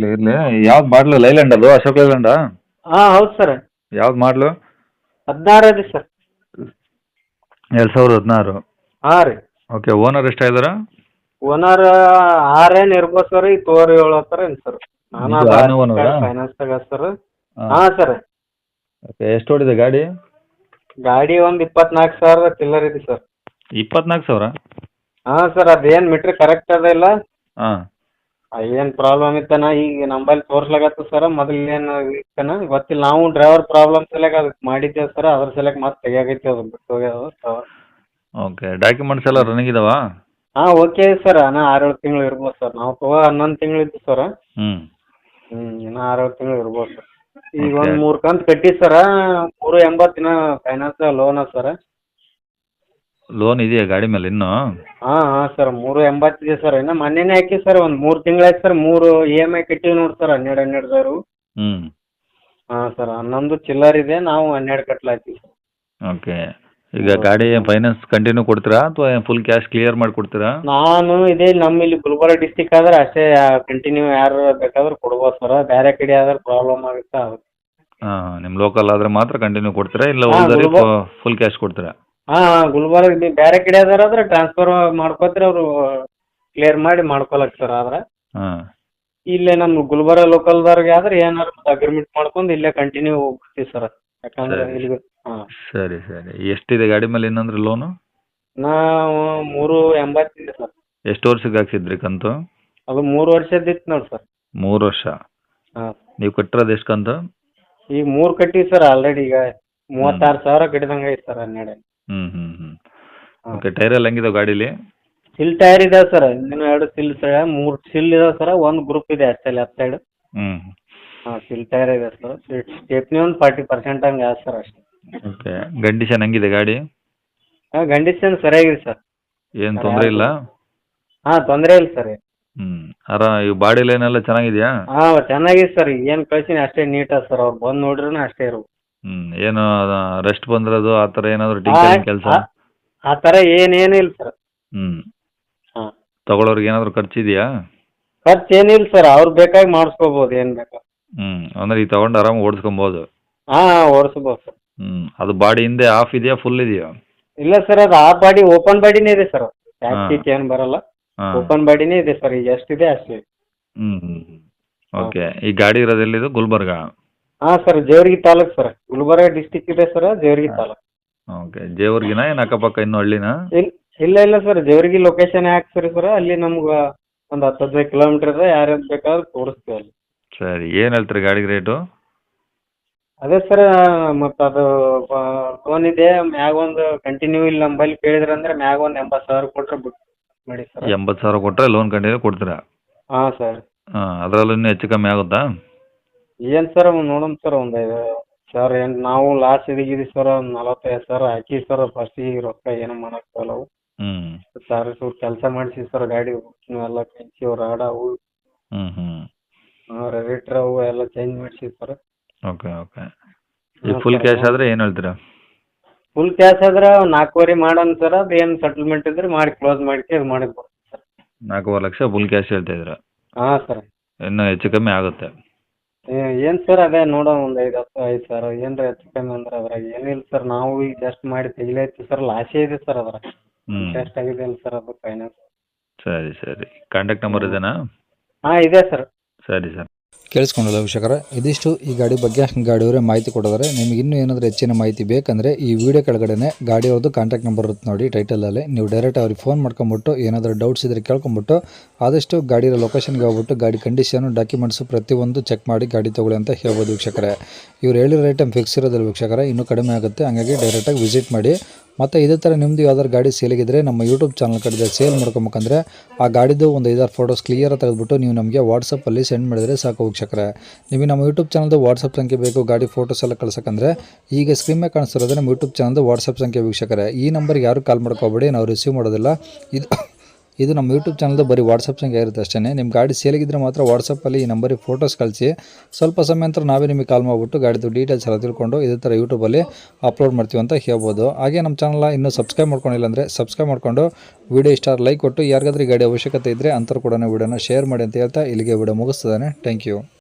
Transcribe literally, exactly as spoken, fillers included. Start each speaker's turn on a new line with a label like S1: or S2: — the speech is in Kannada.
S1: ಇರಲಿ ಇರಲಿ ಯಾವ್ದು ಮಾಡಲು ಲೈಲ್ಯಾಂಡ್ ಅದು ಅಶೋಕ್ ಲೈಲ್ಯಾಂಡಾ
S2: ಹಾಂ ಹೌದು ಸರ್.
S1: ಯಾವ್ದು ಮಾಡಲು
S2: ಹದಿನಾರು ಅದೇ ಸರ್.
S1: ಎರಡು ಸಾವಿರದ ಹದಿನಾರು.
S2: ಹಾಂ ರೀ.
S1: ಓಕೆ ಓನರ್ ಎಷ್ಟಾಗಿದಾರೆ?
S2: ಓನರ್ ಆರೇನು ಇರ್ಬೋದು ಸರ್, ಈಗ ತೋರಿ ಏಳು ಹತ್ತಾರ ಏನು ಸರ್. ನಾನು
S1: ಇದು
S2: ಅದು
S1: ಆರನೇ ಓನರಾ?
S2: ಫೈನಾನ್ಸ್ ತಗ ಸರ್.
S1: ಹಾಂ
S2: ಹಾಂ ಸರ್.
S1: ಓಕೆ ಎಷ್ಟು ಓಡಿದೆ ಗಾಡಿ?
S2: ಗಾಡಿ ಒಂದು ಇಪ್ಪತ್ನಾಲ್ಕು ಸಾವಿರದ ಚಿಲ್ಲರ್ ಇದೆ ಸರ್.
S1: ಇಪ್ಪತ್ನಾಲ್ಕು ಸಾವಿರ?
S2: ಹಾಂ ಸರ್, ಅದೇನು ಮೀಟ್ರ್ ಕರೆಕ್ಟ್ ಅದ ಇಲ್ಲ,
S1: ಹಾಂ
S2: ಏನು ಪ್ರಾಬ್ಲಮ್ ಇತ್ತನ ಈಗ ನಂಬಲ್ಲಿ ತೋರ್ಸ್ಲಾಗತ್ತ ಸರ್. ಮೊದಲೇನು ಇತ್ತನ ಗೊತ್ತಿಲ್ಲ, ನಾವು ಡ್ರೈವರ್ ಪ್ರಾಬ್ಲಮ್ ಸಲಕ ಅದಕ್ಕೆ ಮಾಡಿದ್ದೇವೆ ಸರ್, ಅದ್ರ ಸಲಕ ಮತ್ತೆ ತೆಗಿಯಾಗೈತಿ ಅದು ಬಿಟ್ಟು ಹೋಗ್ಯಾವ.
S1: ಓಕೆ ಡಾಕ್ಯುಮೆಂಟ್ಸ್ ಎಲ್ಲ ರನ್ನಿಂಗ್ ಇದಾವಾ?
S2: ಹಾಂ ಓಕೆ ಸರ್, ಇನ್ನೂ ಆರು ಏಳು ತಿಂಗಳು ಇರ್ಬೋದು ಸರ್. ನಾವು ತಗೋ ಹನ್ನೊಂದು ತಿಂಗಳು ಇತ್ತು ಸರ್.
S1: ಹ್ಞೂ
S2: ಹ್ಞೂ ಇನ್ನೂ ಆರು ಏಳು ತಿಂಗಳು ಇರ್ಬೋದು ಸರ್. ಈಗ
S1: Okay.
S2: ಒಂದು ಮೂರು ಕಂತು ಕಟ್ಟಿ ಸರ, ಮೂರು ಎಂಬತ್ತು ಇನ್ನೂ ಫೈನಾನ್ಸ್ ಲೋನ್ ಅದ ಸರ್.
S1: ಲೋನ್ ಇದೆಯಾ ಗಾಡಿ ಮೇಲೆ ಇನ್ನೂ?
S2: ಹಾಂ ಹಾಂ ಸರ್, ಮೂರು ಎಂಬತ್ತಿದೆ ಸರ್. ಇನ್ನು ಮೊನ್ನೆನೇ ಹಾಕಿ ಸರ್, ಒಂದು ಮೂರು ತಿಂಗಳಾಯ್ತು ಸರ್. ಮೂರು ಇ ಎಮ್ ಐ ಕಟ್ಟಿವಿ ನೋಡಿ ಸರ್, ಹನ್ನೆರಡು ಹನ್ನೆರಡು ಸಾವಿರ.
S1: ಹ್ಞೂ
S2: ಹಾಂ ಸರ್, ಹನ್ನೊಂದು ಚಿಲ್ಲರ್ ಇದೆ, ನಾವು ಹನ್ನೆರಡು ಕಟ್ಲಾಯ್ತೀವಿ ಸರ್.
S1: ಓಕೆ ಈಗ ಗಾಡಿ ಫೈನಾನ್ಸ್ ಕಂಟಿನ್ಯೂ ಕೊಡ್ತೀರಾ ಅಥವಾ ಫುಲ್ ಕ್ಯಾಶ್ ಕ್ಲಿಯರ್ ಮಾಡಿ ಕೊಡ್ತೀರಾ?
S2: ನಾನು ಇದೇ ನಮ್ಮ ಇಲ್ಲಿ ಗುಲ್ಬರ್ಗ ಡಿಸ್ಟಿಕ್ ಆದ್ರೆ ಅಷ್ಟೇ ಕಂಟಿನ್ಯೂ ಯಾರು ಬೇಕಾದ್ರೆ ಕೊಡ್ಬೋದು ಸರ್, ಬೇರೆ ಕಡೆ ಆದ್ರೆ ಪ್ರಾಬ್ಲಮ್ ಆಗುತ್ತೆ ಅದಕ್ಕೆ.
S1: ಹಾಂ ನಿಮ್ಮ ಲೋಕಲ್ ಆದರೆ ಮಾತ್ರ ಕಂಟಿನ್ಯೂ ಕೊಡ್ತೀರಾ ಇಲ್ಲ
S2: ಹಾಂ,
S1: ಉಳಿದರೆ
S2: ಗುಲ್ಬರ್ಗ.
S1: ಫುಲ್ ಕ್ಯಾಶ್ ಕೊಡ್ತೀರಾ?
S2: ಹಾಂ ಹಾಂ ಗುಲ್ಬರ್ಗ ನೀವು ಬೇರೆ ಕಡೆ ಆದ್ರೆ ಟ್ರಾನ್ಸ್ಫರ್ ಮಾಡ್ಕೋತೀರಿ, ಅವರು ಕ್ಲಿಯರ್ ಮಾಡಿ ಮಾಡ್ಕೊಳಕ್ ಸರ್. ಆದ್ರೆ
S1: ಹಾಂ
S2: ಇಲ್ಲೇ ನಮ್ಮ ಗುಲ್ಬರ್ಗ ಲೋಕಲ್ದವ್ರಿಗೆ ಆದ್ರೆ ಏನಾರು ಅಗ್ರಿಮೆಂಟ್ ಮಾಡ್ಕೊಂಡು ಇಲ್ಲೇ ಕಂಟಿನ್ಯೂ ಹೋಗ್ತೀವಿ ಸರ್. ಯಾಕಂದ್ರೆ
S1: ಸರಿ.
S2: ಇಲ್ಲಿ ಹಾಂ
S1: ಸರಿ ಸರಿ ಎಷ್ಟಿದೆ ಗಾಡಿ ಮೇಲೆ ಇನ್ನಂದ್ರೆ ಲೋನು?
S2: ನಾವು ಮೂರು ಎಂಬತ್ತಿದೆ ಸರ್.
S1: ಎಷ್ಟು ವರ್ಷಕ್ಕೆ ಹಾಕ್ಸಿದ್ರಿ ಕಂತು?
S2: ಅದು ಮೂರು ವರ್ಷದಿತ್ತು ನೋಡಿ ಸರ್.
S1: ಮೂರು ವರ್ಷ.
S2: ಹಾಂ
S1: ನೀವು ಕಟ್ಟಿರೋದು ಎಷ್ಟು ಕಂತು?
S2: ಈಗ ಮೂರು ಕಟ್ಟಿವಿ ಸರ್ ಆಲ್ರೆಡಿ. ಈಗ ಮೂವತ್ತಾರು ಸಾವಿರ ಕಟ್ಟಿದಂಗೆ ಐತೆ ಸರ್ ಹನ್ನೆರಡು.
S1: ಹ್ಞೂ ಹ್ಞೂ ಹ್ಞೂ
S2: ಹಾಂ.
S1: ಓಕೆ ಟೈರ್ ಎಲ್ಲ ಹೆಂಗಿದಾವೆ ಗಾಡೀಲಿ?
S2: ಸಿಲ್ ಟೈರ್ ಇದಾವೆ ಸರ್, ಇನ್ನೂ ಎರಡು ಸಿಲ್ ಸರ್, ಮೂರು ಸಿಲ್ ಇದಾವೆ ಸರ್, ಒಂದು ಗ್ರೂಪ್ ಇದೆ ಅಷ್ಟೇ ಲೆಫ್ಟ್ ಸೈಡ್.
S1: ಹ್ಞೂ
S2: ಹಾಂ ಸಿಲ್ ಟೈರ್ ಇದೆ ಸರ್. ಸ್ಟೆಪ್ನಿ ಒಂದು ಫಾರ್ಟಿ ಪರ್ಸೆಂಟ್ ಹಂಗೆ ಆಯ್ತು ಸರ್ ಅಷ್ಟೇ.
S1: ಓಕೆ ಕಂಡೀಷನ್ ಹೆಂಗಿದೆ ಗಾಡಿ?
S2: ಹಾಂ ಕಂಡೀಷನ್ ಸರಿಯಾಗಿದೆ ಸರ್.
S1: ಏನು ತೊಂದರೆ ಇಲ್ಲ?
S2: ಹಾಂ ತೊಂದರೆ ಇಲ್ಲ ಸರ್.
S1: ಹ್ಞೂ ಅರ ಇವು ಬಾಡಿ ಲೈನ್ ಎಲ್ಲ ಚೆನ್ನಾಗಿದೆಯಾ?
S2: ಹಾಂ ಚೆನ್ನಾಗಿದೆ ಸರ್, ಏನು ಕಳ್ಸೀನಿ ಅಷ್ಟೇ ನೀಟ್ ಅದ ಸರ್. ಅವ್ರು ಬಂದು ನೋಡ್ರೂ ಅಷ್ಟೇ ಇರು.
S1: ಹ್ಞೂ ಏನು ರೆಸ್ಟ್ ಬಂದಿರೋದು ಆ ಥರ ಏನಾದರೂ ಟಿಂಕರಿಂಗ್ ಕೆಲಸ?
S2: ಆ ಥರ ಏನೇನು ಇಲ್ಲ ಸರ್.
S1: ಹ್ಞೂ
S2: ಹಾಂ
S1: ತಗೊಳ್ಳೋರಿಗೆ ಏನಾದರೂ ಖರ್ಚಿದೆಯಾ?
S2: ಖರ್ಚು ಏನಿಲ್ಲ ಸರ್, ಅವ್ರು ಬೇಕಾಗಿ ಮಾಡಿಸ್ಕೋಬೋದು ಏನು ಬೇಕಾ.
S1: ಹ್ಞೂ ಅಂದರೆ ಈಗ ತೊಗೊಂಡು ಆರಾಮಾಗಿ ಓಡಿಸ್ಕೊಬೋದು?
S2: ಹಾಂ ಹಾಂ ಓಡಿಸ್ಬೋದು ಸರ್.
S1: ಹ್ಞೂ ಅದು ಬಾಡಿ ಹಿಂದೆ ಆಫ್ ಇದೆಯಾ ಫುಲ್ ಇದೆಯಾ?
S2: ಇಲ್ಲ ಸರ್, ಅದು ಆ ಬಾಡಿ ಓಪನ್ ಬಾಡಿನೇ ಇದೆ ಸರ್,
S1: ಹಾಂ.
S2: ಟ್ಯಾಕ್ಸಿಕ್ ಏನು ಬರಲ್ಲ.
S1: ಹಾಂ
S2: ಓಪನ್ ಬಾಡಿನೇ ಇದೆ ಸರ್, ಈಗ ಎಷ್ಟಿದೆ ಅಷ್ಟೇ.
S1: ಹ್ಞೂ ಹ್ಞೂ ಹ್ಞೂ ಓಕೆ ಈ ಗಾಡಿ ಇರೋದು ಎಲ್ಲಿದು? ಗುಲ್ಬರ್ಗ?
S2: ಹಾಂ ಸರ್, ಜೇವರ್ಗಿ ತಾಲೂಕು ಸರ್, ಗುಲ್ಬರ್ಗ ಡಿಸ್ಟಿಕ್ ಇದೆ ಸರ್, ಜೇವರ್ಗಿ ತಾಲೂಕು.
S1: ಓಕೆ ಜೇವರ್ಗಿನ ಏನು ಅಕ್ಕಪಕ್ಕ ಇನ್ನೂ ಹಳ್ಳಿನಾ?
S2: ಇಲ್ಲ ಇಲ್ಲ ಇಲ್ಲ ಸರ್, ಜೇವರ್ಗಿ ಲೊಕೇಶನ್ ಹಾಕ್ಸ್ರಿ ಸರ್, ಅಲ್ಲಿ ನಮ್ಗೆ ಒಂದು ಹತ್ತು ಹದಿನೈದು ಕಿಲೋಮೀಟ್ರ್ ಇದೆ, ಯಾರ್ಯಾರು ಬೇಕಾದ್ರೂ ತೋರಿಸ್ತೀವಿ ಅಲ್ಲಿ.
S1: ಸರಿ ಏನು ಹೇಳ್ತೀರಿ ಗಾಡಿಗೆ ರೇಟು?
S2: ಅದೇ ಸರ್, ಮತ್ತು ಅದು ಲೋನ್ ಇದೆ ಮ್ಯಾಗ ಒಂದು ಕಂಟಿನ್ಯೂ ಇಲ್ಲ ನಂಬಲ್ಲಿ ಕೇಳಿದ್ರೆ ಅಂದರೆ ಮ್ಯಾಗ ಒಂದು ಎಂಬತ್ತು ಸಾವಿರ ಕೊಟ್ಟರೆ ಬಿಟ್ಟು ಮಾಡಿ ಸರ್.
S1: ಎಂಬತ್ತು ಸಾವಿರ ಕೊಟ್ಟರೆ ಲೋನ್ ಕಂಟಿನ್ಯೂ ಕೊಡ್ತೀರಾ?
S2: ಹಾಂ ಸರ್.
S1: ಹಾಂ ಅದರಲ್ಲೂ ಇನ್ನೂ ಹೆಚ್ಚು ಕಮ್ಮಿ ಆಗುತ್ತಾ?
S2: ಏನು ಸರ್ ನೋಡೋಣ ಸರ್, ಒಂದು ಐದು ಸರ್ ಏನು ನಾವು ಲಾಸ್ಟ್ ಇದೀವಿ ಸರ್, ಒಂದು ನಲವತ್ತೈದು ಸಾವಿರ ಹಾಕಿ ಸರ್ ಫಸ್ಟಿಗೆ ರೊಕ್ಕ ಏನು ಮಾಡೋಕ್ಕಾಗಲ್ಲ. ಅವು
S1: ಹ್ಞೂ
S2: ಸರ್ ಸ್ವಲ್ಪ ಕೆಲಸ ಮಾಡಿಸಿ ಸರ್, ಗಾಡಿ ಎಲ್ಲ ಕಂಚಿ ಅವು ರಾಡ ಅವು
S1: ಹ್ಞೂ ಹ್ಞೂ
S2: ರೇಟ್ರ್ ಅವು ಎಲ್ಲ ಚೇಂಜ್ ಮಾಡಿಸಿ ಸರ್.
S1: ಓಕೆ ಓಕೆ ಈಗ ಫುಲ್ ಕ್ಯಾಶ್ ಆದರೆ ಏನು ಹೇಳ್ತೀರಾ?
S2: ಫುಲ್ ಕ್ಯಾಶ್ ಆದ್ರೆ ಒಂದು ನಾಲ್ಕೂವರೆ ಮಾಡೋಣ ಸರ್, ಅದು ಏನು ಸೆಟಲ್ಮೆಂಟ್ ಇದ್ರೆ ಮಾಡಿ ಕ್ಲೋಸ್ ಮಾಡಿ ಇದು ಮಾಡಿ ಕೊಡ್ತೀನಿ ಸರ್.
S1: ನಾಲ್ಕೂವರೆ ಲಕ್ಷ ಫುಲ್ ಕ್ಯಾಶ್ ಹೇಳ್ತಾ ಇದ್ದೀರಾ?
S2: ಹಾಂ ಸರ್.
S1: ಇನ್ನೂ ಹೆಚ್ಚು ಕಮ್ಮಿ ಆಗುತ್ತೆ?
S2: ಏನು ಸರ್ ಅದೇ ನೋಡೋಣ, ಒಂದು ಐದು ಹತ್ತು ಐದು ಸಾವಿರ ಏನರ ಹೆಚ್ಚು ಕಮ್ಮಿ ಅಂದ್ರೆ ಅದ್ರಾಗ ಏನಿಲ್ಲ ಸರ್. ನಾವು ಈಗ ಜಸ್ಟ್ ಮಾಡಿ ತೆಗಿಲೈತಿ ಸರ್, ಲಾಸೇ ಇದೆ ಸರ್ ಅದ್ರಾಗ.
S1: ಹ್ಞೂ
S2: ಇಂಟ್ರೆಸ್ಟ್ ಆಗಿದೆ ಅಲ್ಲ ಸರ್ ಅದು ಫೈನಾನ್ಸ್.
S1: ಸರಿ ಸರಿ ಕಾಂಟ್ಯಾಕ್ಟ್ ನಂಬರ್ ಇದೆನಾ?
S2: ಹಾಂ ಇದೆ ಸರ್.
S1: ಸರಿ ಸರ್.
S3: ಕೇಳಿಸ್ಕೊಂಡಲ್ಲ ವೀಕ್ಷಕರೇ, ಇದಿಷ್ಟು ಈ ಗಾಡಿ ಬಗ್ಗೆ ಗಾಡಿಯವರೇ ಮಾಹಿತಿ ಕೊಡಿದ್ದಾರೆ. ನಿಮಗೆ ಇನ್ನೂ ಏನಾದರೂ ಹೆಚ್ಚಿನ ಮಾಹಿತಿ ಬೇಕಂದರೆ ಈ ವಿಡಿಯೋ ಕೆಳಗಡೆ ಗಾಡಿಯವ್ರದ್ದು ಕಾಂಟ್ಯಾಕ್ಟ್ ನಂಬರ್ ಇರುತ್ತೆ ನೋಡಿ ಟೈಟಲಲ್ಲಿ, ನೀವು ಡೈರೆಕ್ಟ್ ಅವ್ರಿಗೆ ಫೋನ್ ಮಾಡ್ಕೊಂಬಿಟ್ಟು ಏನಾದರೂ ಡೌಟ್ಸ್ ಇದ್ದರೆ ಕೇಳ್ಕೊಂಬಿಟ್ಟು ಆದಷ್ಟು ಗಾಡಿಯ ಲೊಕೇಶನ್ಗೆ ಹೋಗ್ಬಿಟ್ಟು ಗಾಡಿ ಕಂಡೀಷನು ಡಾಕ್ಯುಮೆಂಟ್ಸು ಪ್ರತಿಯೊಂದು ಚೆಕ್ ಮಾಡಿ ಗಾಡಿ ತೊಗೊಳ್ಳಿ ಅಂತ ಹೇಳ್ಬೋದು ವೀಕ್ಷಕರೇ. ಇವ್ರು ಹೇಳಿರೋ ಐಟಮ್ ಫಿಕ್ಸ್ ಇರೋದಿಲ್ಲ ವೀಕ್ಷಕರೇ, ಇನ್ನೂ ಕಡಿಮೆ ಆಗುತ್ತೆ, ಹಾಗಾಗಿ ಡೈರೆಕ್ಟಾಗಿ ವಿಸಿಟ್ ಮಾಡಿ. ಮತ್ತು ಇದೇ ಥರ ನಿಮ್ಮದು ಯಾವ್ದಾದ್ರು ಗಾಡಿ ಸೇಲಿಗಿದ್ರೆ ನಮ್ಮ ಯೂಟ್ಯೂಬ್ ಚಾನಲ್ ಕಡೆ ಸೇಲ್ ಮಾಡ್ಕೊಬೇಕಂದ್ರೆ ಆ ಗಾಡಿದು ಒಂದು ಐದಾರು ಫೋಟೋಸ್ ಕ್ಲಿಯರ್ ತೆಗೆದುಬಿಟ್ಟು ನೀವು ನಮಗೆ ವಾಟ್ಸಪ್ಪಲ್ಲಿ ಸೆಂಡ್ ಮಾಡಿದರೆ ಸಾಕು ವೀಕ್ಷಕರೇ. ನಿಮಗೆ ನಮ್ಮ ಯೂಟ್ಯೂಬ್ ಚಾನಲ್ದು ವಾಟ್ಸಪ್ ಸಂಖ್ಯೆ ಬೇಕು ಗಾಡಿ ಫೋಟೋಸ್ ಎಲ್ಲ ಕಳ್ಸೋಕ್ಕಂದ್ರೆ ಈಗ ಸ್ಕ್ರೀನ್ ಮೇಲೆ ಕಾಣಿಸ್ತಿರೋದು ನಮ್ಮ ಯೂಟ್ಯೂಬ್ ಚಾನಲ್ದು ವಾಟ್ಸಪ್ ಸಂಖ್ಯೆ ವೀಕ್ಷಕರೇ. ಈ ನಂಬರ್ಗೆ ಯಾರು ಕಾಲ್ ಮಾಡ್ಕೋಬೇಡಿ, ನಾವು ರಿಸೀವ್ ಮಾಡೋದಿಲ್ಲ. ಇದು ಇದು ನಮ್ಮ ಯೂಟ್ಯೂಬ್ ಚಾನಲ್ದು ಬರೀ ವಾಟ್ಸಪ್ ಸಂಖ್ಯೆ ಇರುತ್ತೆ ಅಷ್ಟೇ. ನಿಮ್ಮ ಗಾಡಿ ಸೇಲಿಗಿದ್ರೆ ಮಾತ್ರ ವಾಟ್ಸಪ್ಪಲ್ಲಿ ಈ ನಂಬರಿಗೆ ಫೋಟೋಸ್ ಕಳಿಸಿ, ಸ್ವಲ್ಪ ಸಮಯ ನಂತರ ನಾವೇ ನಿಮಗೆ ಕಾಲ್ ಮಾಡಿಬಿಟ್ಟು ಗಾಡಿದು ಡೀಟೇಲ್ಸ್ ಎಲ್ಲ ತಿಳ್ಕೊಂಡು ಇದೇ ಥರ ಯೂಟ್ಯೂಬಲ್ಲಿ ಅಪ್ಲೋಡ್ ಮಾಡ್ತೀವಿ ಅಂತ ಹೇಳ್ಬೋದು. ಹಾಗೆ ನಮ್ಮ ಚಾನಲ್ನ ಇನ್ನೂ ಸಬ್ಸ್ಕ್ರೈಬ್ ಮಾಡ್ಕೊಂಡಿಲ್ಲ ಅಂದರೆ ಸಬ್ಸ್ಕ್ರೈಬ್ ಮಾಡ್ಕೊಂಡು ವಿಡಿಯೋ ಇಷ್ಟ ಲೈಕ್ ಕೊಟ್ಟು, ಯಾರಿಗಾದ್ರೂ ಗಾಡಿ ಅವಶ್ಯಕತೆ ಇದ್ದರೆ ಅಂಥವ್ರು ಕೂಡ ವಿಡಿಯೋನ ಶೇರ್ ಮಾಡಿ ಅಂತ ಹೇಳ್ತಾ ಇಲ್ಲಿಗೆ ವಿಡಿಯೋ ಮುಗಿಸ್ತದಾನೆ. Thank you.